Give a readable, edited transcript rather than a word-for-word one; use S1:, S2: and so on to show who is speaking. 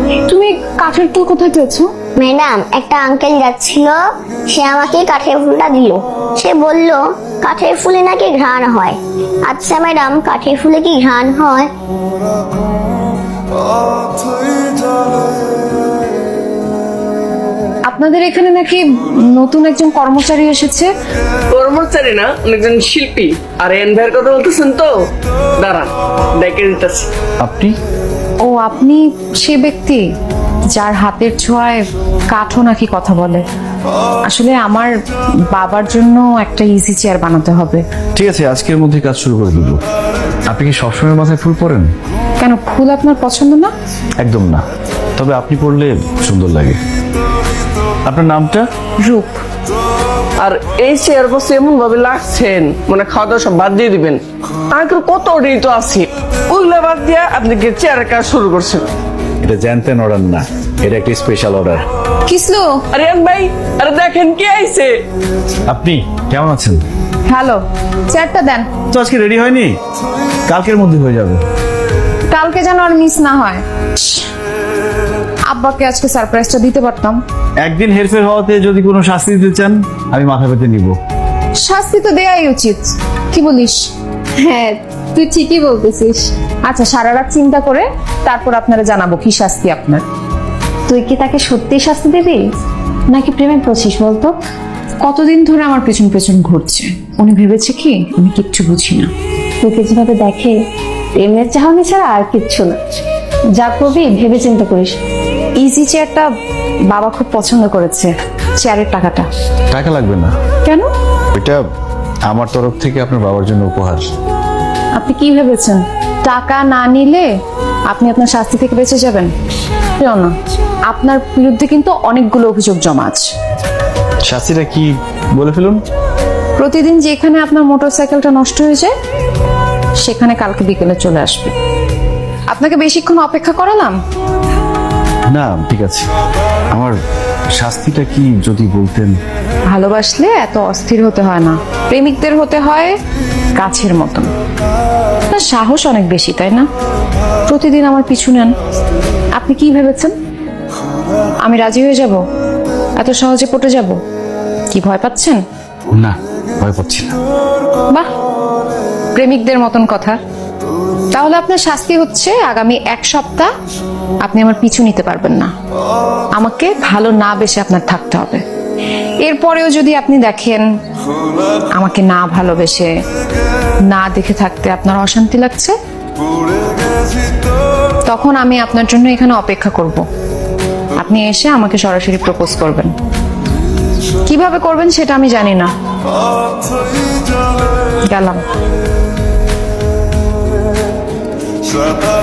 S1: তুমি কাঠের ফুল কোথায় পেয়েছো?
S2: ম্যাডাম, একটা আঙ্কেল যাচ্ছিল, সে আমাকে কাঠের ফুলটা দিল। সে বলল কাঠের ফুলে নাকি ঘ্রাণ হয়। আচ্ছা ম্যাডাম, কাঠের ফুলে কি ঘ্রাণ হয়?
S1: আপনাদের এখানে নাকি নতুন একজন কর্মচারী এসেছে।
S3: কর্মচারী না, অনেকজন শিল্পী। আর এন ভাইয়ের কথা বলতেছেন তো? দাঁড়ান, ডেকে দিতেছি।
S4: আপনি?
S1: ও, আপনি সে ব্যক্তি যার হাতের ছোঁয়ায় কাঠও নাকি কথা বলে। আসলে আমার বাবার জন্য একটা ইজি চেয়ার বানাতে হবে।
S4: ঠিক আছে, আজকের মধ্যে কাজ শুরু করে দিব। আপনি কি সবসময় মাথায় ফুল পরেন?
S1: কেন, ফুল আপনার পছন্দ না?
S4: একদম না, তবে আপনি পরলে সুন্দর লাগে। আপনার নামটা?
S1: রূপ।
S3: আর এই চেয়ার বসে এমন ভাবে লাগছেন মানে খাওয়া দাওয়া সব বাদ দিয়ে দিবেন। আঙ্কেল কত অর্ডারই তো আছে, ওইগুলো বাদ দিয়ে আপনি কি চেয়ারের কাজ শুরু করছেন?
S4: এটা জানতেন অর্ডার না, এটা একটা স্পেশাল অর্ডার।
S1: কিসলো?
S3: আরে এন ভাই, আরে দেখেন কে আইছে।
S4: আপনি কেমন আছেন?
S1: হ্যালো, চেয়ারটা দেন।
S4: তো আজকে রেডি হয়নি, কালকের মধ্যে হয়ে যাবে।
S1: কালকে যেন আর মিস না হয়। আব্বাকে আজকে সারপ্রাইজটা দিতে পারতাম।
S4: একদিন হেরফের হওয়াতে যদি কোনো শাস্তি দিতে চান, আমি মাথা পেতে নিব।
S1: শাস্তি তো দেয়াই উচিত, কি বলিস? হ্যাঁ, তুই ঠিকই বলতেছিস। আচ্ছা, সারা রাত চিন্তা করে তারপর আপনারা জানাবো কি শাস্তি আপনার।
S5: তুই কি তাকে সত্যি শাস্তি দিবি নাকি প্রেমে পড়ছিস বলতো?
S1: কতদিন ধরে আমার পেছন পেছন ঘুরছে, উনি ভেবেছে কি আমি কিচ্ছু বুঝি না।
S5: তোকে যেভাবে দেখে প্রেমের চাহনি ছাড়া আর কিচ্ছু না। যা করবি ভেবে চিন্তা করিস।
S1: ইজি চেয়ারটা বাবা খুব পছন্দ করেছে, চেয়ারের টাকাটা।
S4: টাকা লাগবে না,
S1: কেন?
S4: এটা আমার তরফ থেকে আপনার বাবার জন্য উপহার।
S1: আপনি কি ভেবেছেন টাকা না নিলে আপনি আপনার শাস্তি থেকে বেঁচে যাবেন? না, আপনার বিরুদ্ধে কিন্তু অনেকগুলো অভিযোগ জমা আছে।
S4: শাস্তিটা কি বলে ফেলুন।
S1: প্রতিদিন যেখানে আপনার মোটরসাইকেলটা নষ্ট হয়ে যায় সেখানে কালকে বিকেলে চলে আসবে। আপনাকে বেশিক্ষণ অপেক্ষা করালাম?
S4: না, ঠিক আছে, আমার শাস্তিটা কি যদি বলতেন।
S1: ভালোবাসলে এত অস্থির হতে হয় না, প্রেমিকদের হতে হয় গাছের মতন। আপনার সাহস অনেক বেশি, তাই না? প্রতিদিন আমার পিছু নেন। আপনি কি ভেবেছেন আমি রাজি হয়ে যাব? এত সহজে পটে যাব? কি ভয় পাচ্ছেন?
S4: না, ভয় পাচ্ছি না।
S1: বাহ, প্রেমিকদের মতন কথা। তাহলে আপনার শাস্তি হচ্ছে আগামী 1 সপ্তাহ আপনি আমার পিছু নিতে পারবেন না। আমাকে ভালো না বেশে আপনার থাকতে হবে। এরপরেও যদি আপনি দেখেন আমাকে না ভালোবেসে না দেখে থাকতে আপনার অশান্তি লাগছে, তখন আমি আপনার জন্য এখানে অপেক্ষা করব। আপনি এসে আমাকে সরাসরি প্রপোজ করবেন। কিভাবে করবেন সেটা আমি জানি না। গেলাম।